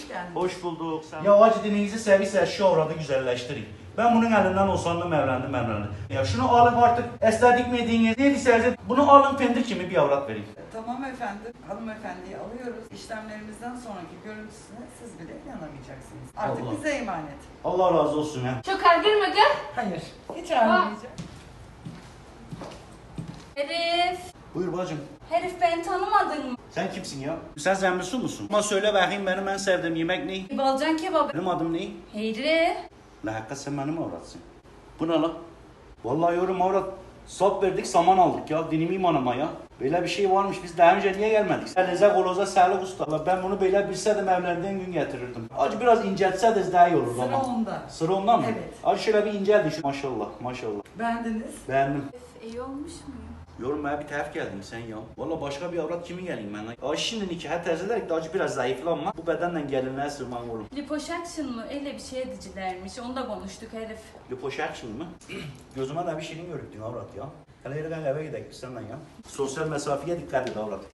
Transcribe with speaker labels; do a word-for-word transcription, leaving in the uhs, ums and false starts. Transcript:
Speaker 1: hoş geldin.
Speaker 2: Hoş bulduk. Sen...
Speaker 3: Ya acı dininizi severse şu avradı güzelleştirin. Ben bunun elinden usandım, evlendim, evlendim. Ya şunu alın artık, estetik mi dediğiniz, ne derseniz bunu alın, pendir kimi bir avrat vereyim.
Speaker 1: Tamam efendim. Hanımefendiyi alıyoruz. İşlemlerimizden sonraki görüntüsüne siz bile inanamayacaksınız. Artık
Speaker 3: Allah.
Speaker 1: bize emanet.
Speaker 3: Allah razı olsun ya.
Speaker 4: Çok argın mı?
Speaker 1: Hayır. Hiç ağlamayacağım.
Speaker 4: Herif.
Speaker 3: Buyur bacım.
Speaker 4: Herif beni tanımadın mı?
Speaker 3: Sen kimsin ya? Sen Zembilsu musun? Ama söyle bakayım benim en sevdiğim yemek ne?
Speaker 4: Balcan kebabı.
Speaker 3: Benim adım ne?
Speaker 4: Heyri.
Speaker 3: La hakikaten sen benim avratsın. Bu ne lan? Vallahi yorum avrat. Sap verdik, saman aldık ya. Dinim imanıma ya. Böyle bir şey varmış. Biz daha önce niye gelmedik? Elinize kolunuza sağlık usta. Allah, ben bunu böyle bilseydim evlendiğim gün getirirdim. Acı biraz inceltseniz daha iyi olurdu
Speaker 1: Sıra
Speaker 3: ama.
Speaker 1: onda.
Speaker 3: Sıra ondan mı?
Speaker 1: Evet.
Speaker 3: Acı şöyle bir inceldi şu. Maşallah, maşallah.
Speaker 1: Beğendiniz.
Speaker 3: Beğendim.
Speaker 4: İyi olmuş muyum?
Speaker 3: Yorum bana bir tef geldin sen ya. Valla başka bir avrat kimi geleyim ben lan? Ay şimdi nikaha tercih ederek de acı biraz zayıflanma. Bu bedenle gelinliğe sığmam oğlum.
Speaker 4: Liposuction mı? Öyle bir şey edicilermiş. Onu da konuştuk herif.
Speaker 3: Liposuction mı? Gözüme de bir şeyin görüktün avrat ya. Hele yürü gel eve gidelim biz senden ya. Sosyal mesafeye dikkat et avrat.